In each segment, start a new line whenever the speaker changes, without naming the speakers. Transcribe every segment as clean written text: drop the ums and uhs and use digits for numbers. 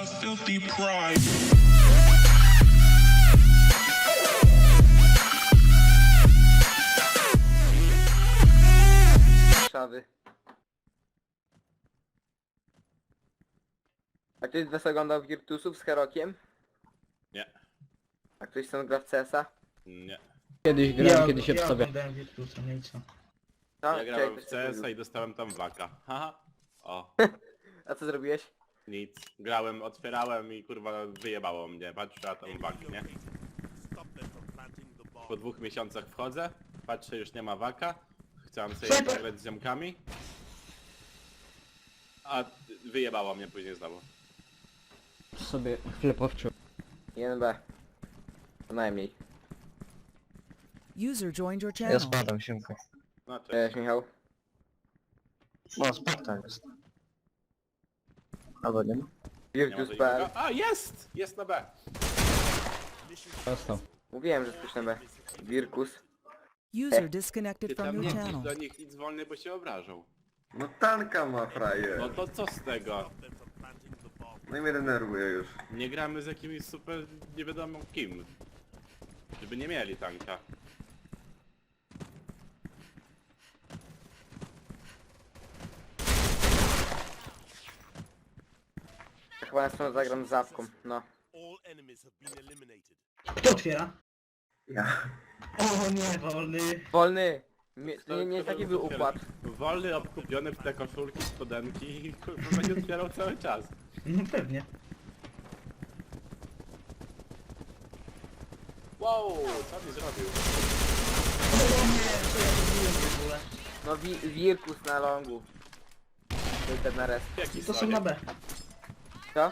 filthy pride.
Szawy. A ktoś z was oglądał Virtusów z Herokiem?
Nie.
A ktoś stąd gra w CS-a?
Nie.
Kiedyś grałem, kiedyś się
ja
wstawia.
oglądałem Virtusa, no i co?
No,
Ja
czekaj,
grałem w
ktoś coś
CS-a
mówił.
i dostałem tam waka. Haha. O,
A co zrobiłeś?
nic. Grałem, otwierałem i kurwa wyjebało mnie. Patrzę, a tam wak, nie? Po 2 miesiącach wchodzę, patrzę, już nie ma waka. Chciałem sobie
Snajper!
zagrać z ziomkami. A wyjebało mnie później znowu.
Sobie chlepowczył.
1B. Co najmniej.
User joined your
Ja
channel.
spadam, siemka.
No cześć.
Cześć Michał.
No, Spartan jest. Albo nie ma?
Nie ma
Virtus.pl.
żadnego- A, jest! Jest na B.
Dostał.
Mówiłem, że coś na B. Virkus.
User disconnected
Ty
from
tam
your
nie pisz
channel.
do nich nic wolny, bo się obrażą.
No tanka ma frajer.
No to co z tego?
No i mnie denerwuje już.
Nie gramy z jakimś super nie wiadomo kim. Żeby nie mieli tanka.
Ja chyba na stronę zagram z Zawką. No.
Kto otwiera?
Ja.
O nie, wolny.
Wolny! Nie taki był układ.
Wolny, obkupiony w te koszulki, spodenki i kurwa będzie otwierał cały czas.
No pewnie.
Wow, co mi zrobił?
O nie, co ja zrobiłem w ogóle?
No Virkus na longu. Był ten na res.
Jaki
To są
Sonic?
na B.
Co?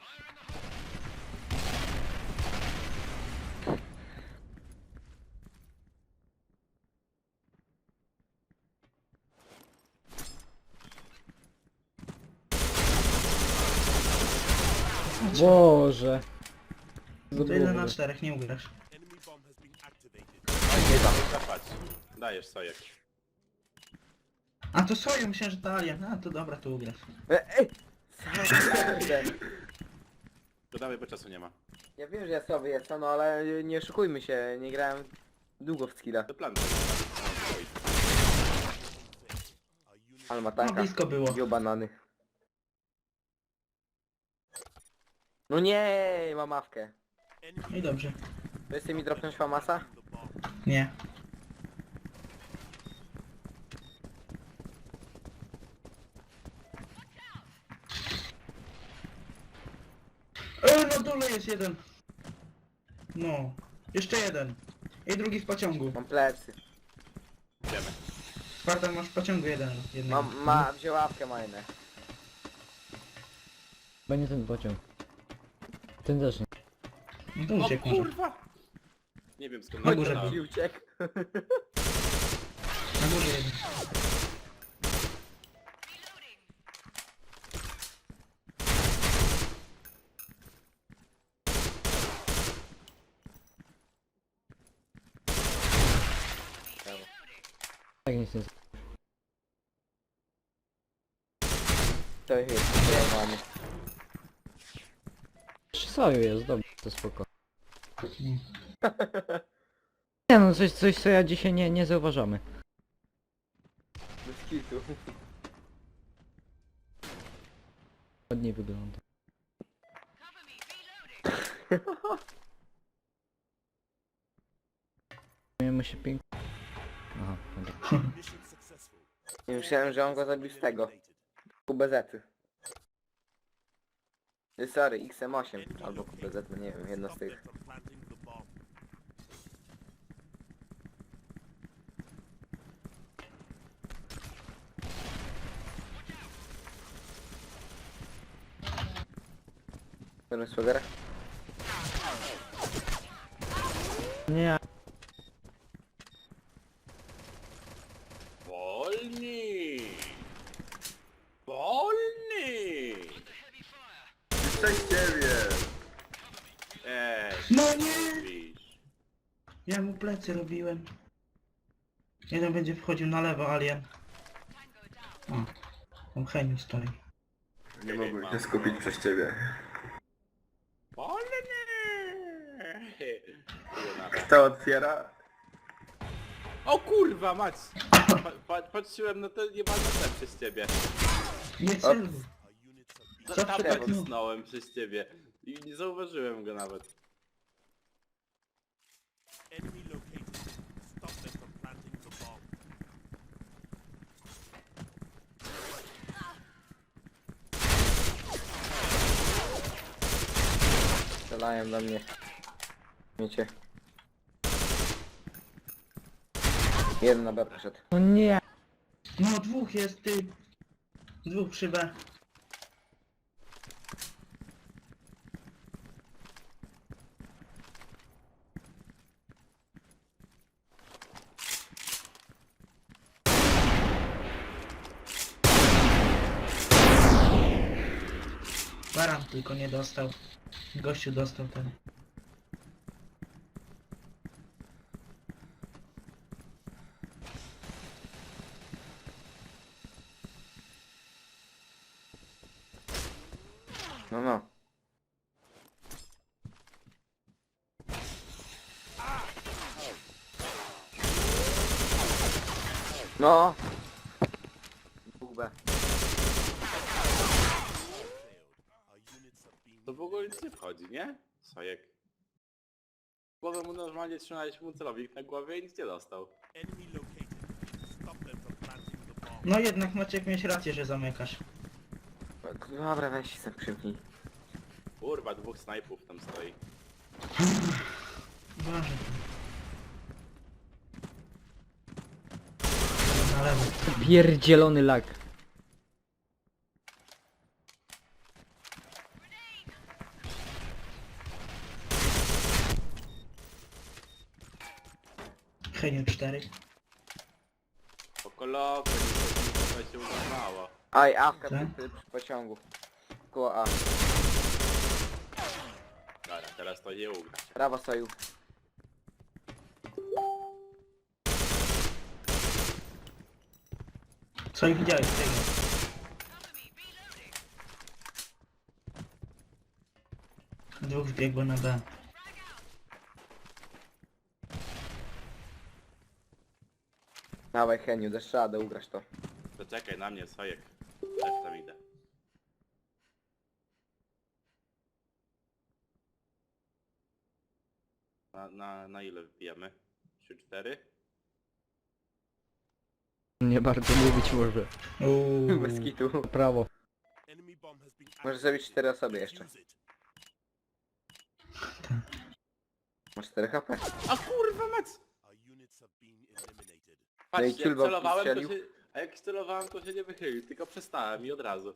Boże.
To 1 na 4, nie ugrasz.
Nie da, zapać. Dajesz sojek.
A to soju, myślałem, że to alien. A to dobra, to ugrasz.
Ej!
To dawaj, bo czasu nie ma.
Ja wiem, że ja słaby jestem, no ale nie oszukujmy się, nie grałem długo w skilla.
To plan.
Ale ma
No
tanka.
blisko było.
Wziął banany. No nie, mam mawkę.
No i dobrze.
To jest mi dropnąć famasa?
Nie. Na dole jest jeden. No. Jeszcze jeden. I drugi w pociągu.
Mam plecy.
Idziemy.
Spartan masz w pociągu jeden. jednego.
Wziął łapkę majnę.
Chyba nie ten pociąg. Ten też nie.
No to
O
uciekł może.
kurwa! Nie wiem skąd
Na górze
to.
I uciekł.
Na górze jeden.
Tak nic nie.
To jest zajmowany.
Przy soju jest, dobrze, to spoko. Nie no, coś co ja dzisiaj nie zauważamy.
Bez kitu.
Ładnie wygląda. Miejmy się pięknie. Aha, dobra.
Nie myślałem, że on go zabił z tego. QBZ. Sorry, XM8 albo QBZ, no nie wiem, jedno z tych. Który swagera?
Nie,
Wolni! Wolni!
Cześć ciebie!
No nie!
Mówisz.
Ja mu plecy robiłem. Jeden będzie wchodził na lewo, alien. O, tam Heniu stoi.
Nie mogłem się skupić przez ciebie. Kto otwiera?
O kurwa mać! Patrzyłem na to nieważne przez ciebie.
Nie celuj. Co
Tam
przytaknął?
nacisnąłem przez ciebie. I nie zauważyłem go nawet.
Strzelają do mnie. Wiecie. Jeden na B poszedł.
No nie.
No dwóch jest, ty. Dwóch przy B. Baran tylko nie dostał. Gościu dostał ten.
No no. No. Dwóch B.
To w ogóle nic nie wchodzi, nie? Sojek. Głowę mu normalnie trzymałeś mu celownik na głowie i nic nie dostał.
No jednak Maciek miałeś rację, że zamykasz.
Dobra, weź się przymknij.
Kurwa, dwóch snajpów tam stoi.
Uważaj. Na lewo.
Pierdzielony lag.
Heniu 4.
Po kolokwie, to się uznało.
Aj, awka
Tak?
przy pociągu. Koło A.
Dobra, teraz to nie ugra.
Prawo stoju.
Co ich widziałeś tego? Dwóch wbiegło na B.
Dawaj Heniu, dasz radę, ugrasz to.
To czekaj na mnie, Sojek. Też tam idę. Na ile wbijamy? 3-4?
Nie bardzo lubić może.
Bez kitu.
Prawo.
Możesz zrobić 4 osoby jeszcze. Masz 4 HP.
A kurwa mać!
No i
Patrzcie, jak
ciulba
celowałem, to
strzelił.
się... A jak celowałem, to się nie wychylił, tylko przestałem i od razu.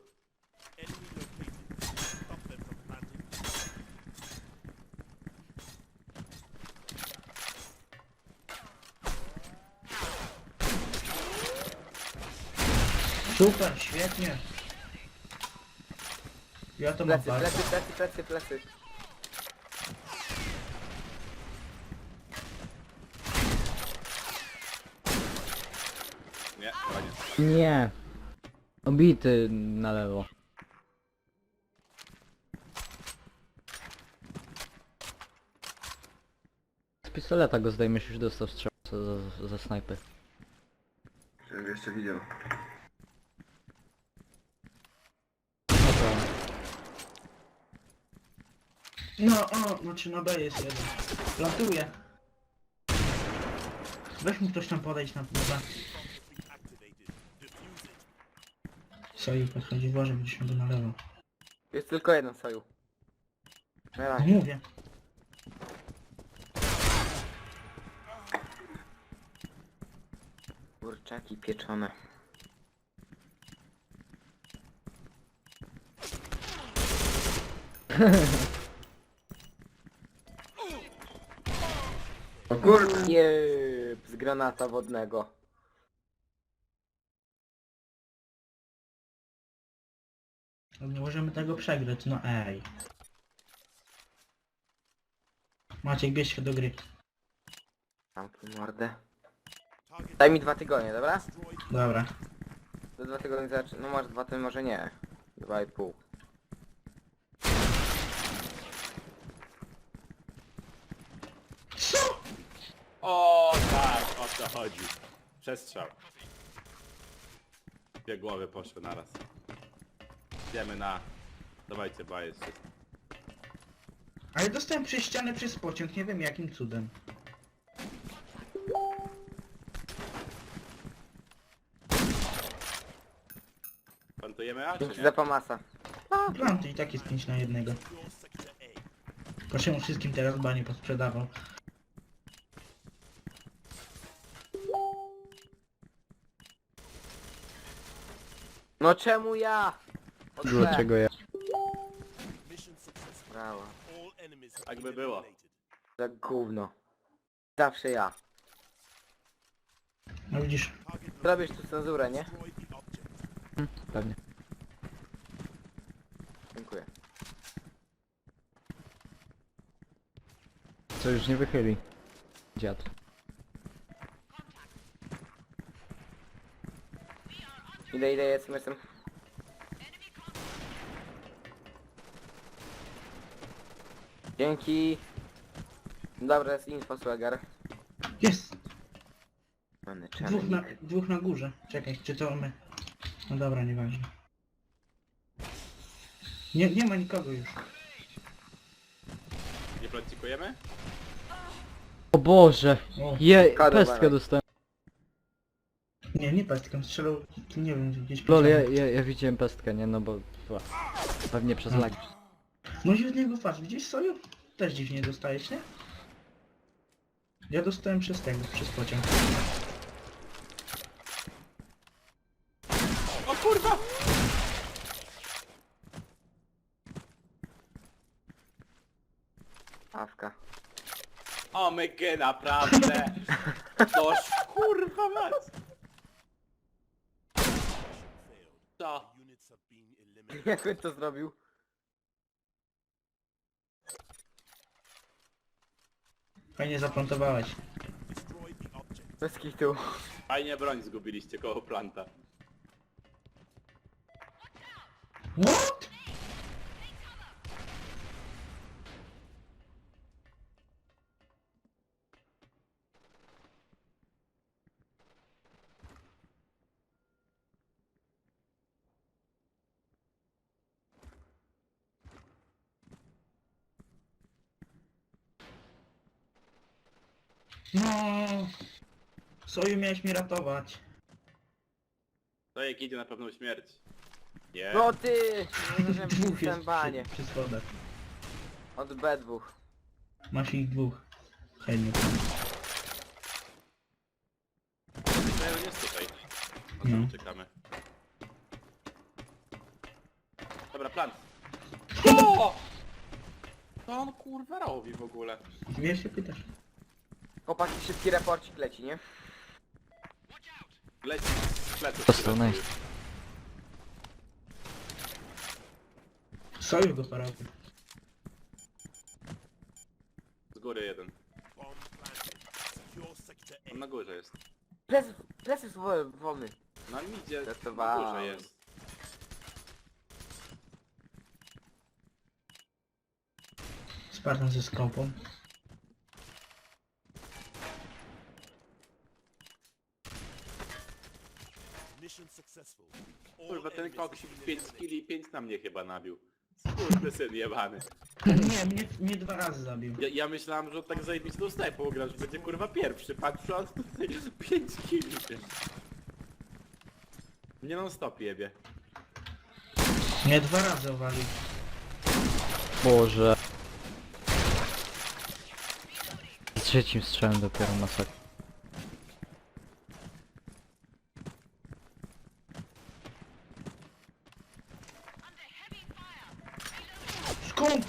Super, świetnie. Ja to mam
Plecy,
bardzo.
plecy.
Nie, koniec.
Nie. Obity na lewo. Z pistoleta go zdejmiesz, już dostał strzał za snajpy.
Żebym jeszcze widział.
No, znaczy na B jest jeden. Plantuje. Weź mu ktoś tam podejść na B. Soi podchodzi, uważaj, będziesz miał go na lewo.
Jest tylko jeden soju. Na
No
razie.
mówię.
Kurczaki pieczone.
O kurde!
Jeb, z granata wodnego.
No nie możemy tego przegrać, no ej. Maciek, bierz się do gry.
Zamknij mordę. Daj mi 2 tygodnie, dobra?
Dobra.
Do 2 tygodnie zacznie. No masz 2 tygodnie, może nie. 2,5.
to chodzi. Przestrzał. Dwie głowy poszły naraz. Idziemy na... Dawajcie baję się.
Ale dostałem przez ścianę przez pociąg, nie wiem jakim cudem.
Plantujemy A czy
Dzięki
nie?
za pomasa.
Planty i tak jest 5 na 1. Proszę mu wszystkim teraz banie posprzedawał.
No czemu ja? O,
Dlaczego ja?
Brawo.
Tak by było.
Za gówno. Zawsze ja.
No widzisz,
Zrobisz tu cenzurę, nie?
Pewnie.
Dziękuję.
Co już nie wychyli. Dziad.
Idę, jestem. Dzięki. Dobra, jest info, swagger.
jest!
Mamy
Dwóch na górze. Czekaj, czy to my? No dobra, nieważne. Nie ma nikogo już.
Nie plantikujemy?
O Boże!
O,
Kadłub,
Pestkę
ale.
dostałem.
nie pestką, strzelał, nie wiem, gdzieś
Lol,
pociągiem.
ja widziałem pestkę, nie? No bo... Pewnie przez lag.
No i od niego patrz, widzisz Soju? Też dziwnie dostajesz, nie? Ja dostałem przez tego, przez pociąg.
O kurwa!
Awka.
O mygy, naprawdę! Toż kurwa mać! Co?
Jak on to zrobił?
Fajnie zaplantowałeś.
Bez kitu.
Fajnie broń zgubiliście koło planta.
What? No, Soju miałeś mnie ratować.
To jak idzie na pewną śmierć. Nie.
No ty! Nie wiem,
Dwóch
jestem
jest
banie.
przy schodach.
Od B2.
Masz ich dwóch. Chętnie.
To jest tutaj. No
No.
to czekamy. Dobra, plan. O! Co on kurwa robi w ogóle?
Wiesz się pytasz?
Chłopaki, szybki raporcik leci, nie?
Leci z pleców.
Dostał, nice.
Soju go porobił.
Z góry jeden. On na górze jest.
Plecy są wolny.
Na midzie, na
Testowałem.
górze jest.
Spartan ze skopą.
Kurwa, ten koksik 5 kili i 5 na mnie chyba nabił. Skurwysyn jebany.
Nie, mnie 2 razy zabił.
Ja myślałem, że on tak zajebistą snajpą gra, że będzie kurwa pierwszy. Patrzę, on tutaj 5 kili. Nie non stop jebie.
Mnie 2 razy owalił.
Boże. Z trzecim strzałem dopiero masakra.
Skąd?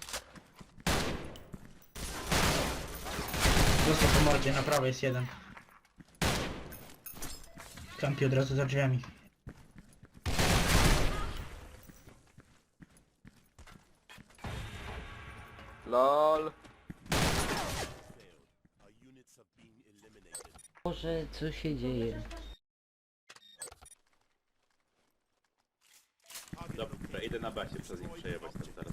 Został po mordzie, na prawo jest jeden. Kampi od razu za drzwiami.
LOL.
Boże, co się dzieje?
Dobra, idę na basie przez nich przejebać tam teraz.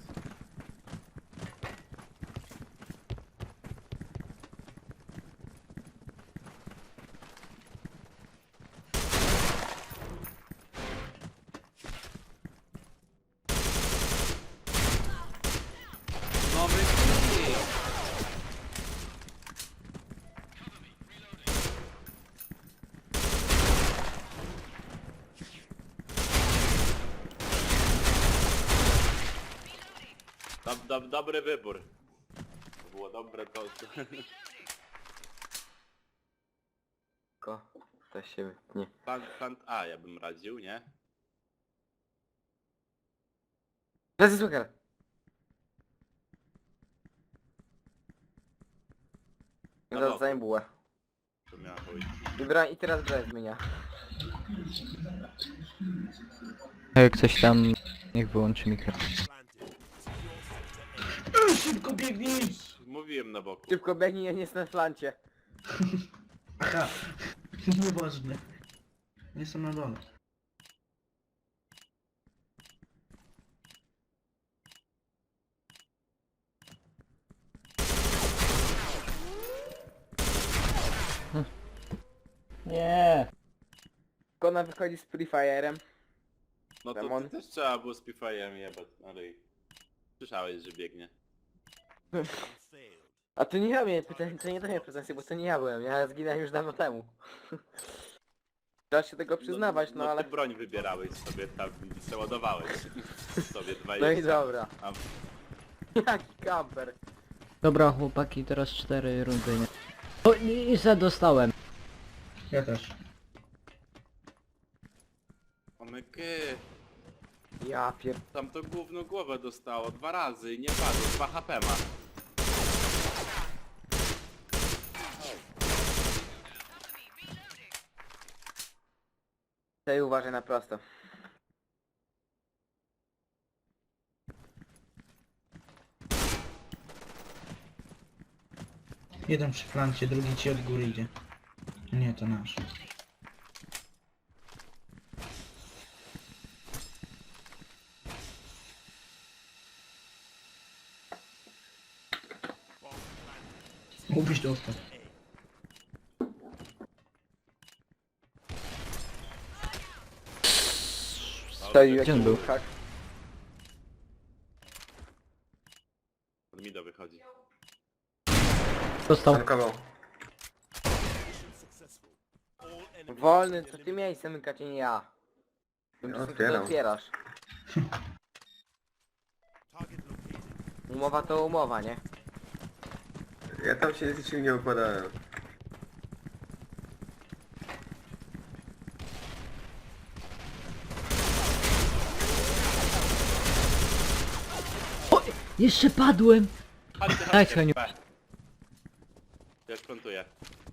Nowy kill. Dobry wybór. To było dobre to.
Tylko ktoś się wytnie.
Plant A ja bym radził, nie?
Lezy Zucker!
Na
No
boku.
to bułę.
To miała chuj.
I teraz broń zmienia.
Jak ktoś tam... Niech wyłączy mikro.
Szybko biegnij!
Mówiłem na boku.
Szybko biegnij, ja nie jestem na flancie.
Aha. Nieważne. Nie są na dole.
Nie.
Kona wychodzi z Free Fire'em.
No to
Demon.
też trzeba było z Pifajem jebać, ale i słyszałeś, że biegnie.
A to nie ja miałem pytanie, to nie do mnie pretensje, bo to nie ja byłem. Ja zginąłem już dawno temu. Trzeba się tego przyznawać, no ale...
Ty broń wybierałeś sobie tam, przeładowałeś sobie 20.
No i dobra.
A
Jaki kamper.
Dobra chłopaki, teraz 4 rundy, nie? O, i se dostałem.
Ja też.
omyky,
Ja pier...
tam to gówno głowę dostało 2 razy i nie padło, 2 HP ma.
Ty uważaj na prosto.
Jeden przy flancie, drugi ci od góry idzie. Nie, to nasz. Mógłbyś dostać.
Strzelił
Gdzie on
jakiś
był?
hak.
Od Mido wychodzi.
Dostał.
Tankował.
Wolny, to ty miałeś zamykać, a nie ja.
Ja
Co ty
otwieram.
otwierasz? Umowa to umowa, nie?
Ja tam się z niczym nie układałem.
Jeszcze padłem!
Chodźcie,
Daj,
chodźcie,
Heniu.
B. Ja sprontuję.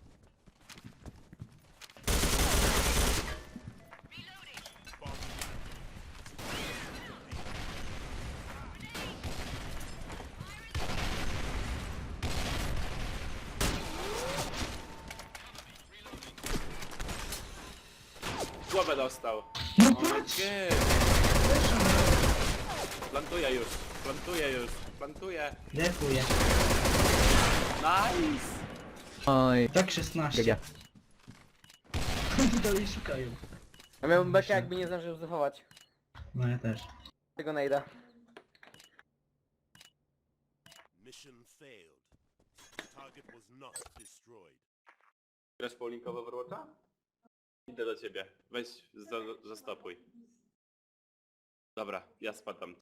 Głowę dostał.
No patrz!
Nie. Plantuję już, plantuję już, plantuję.
Dziękuję.
Nice!
Oj.
Tak 16.
GG.
Dalej szukają.
Ja miałbym bekę, jakby nie zdążył zachować.
No ja też.
Tego najda.
Mission failed. Target was not destroyed.
Grasz Paulinkowo Overwatcha? Idę do ciebie. Weź, zastopuj. Dobra, ja spadam.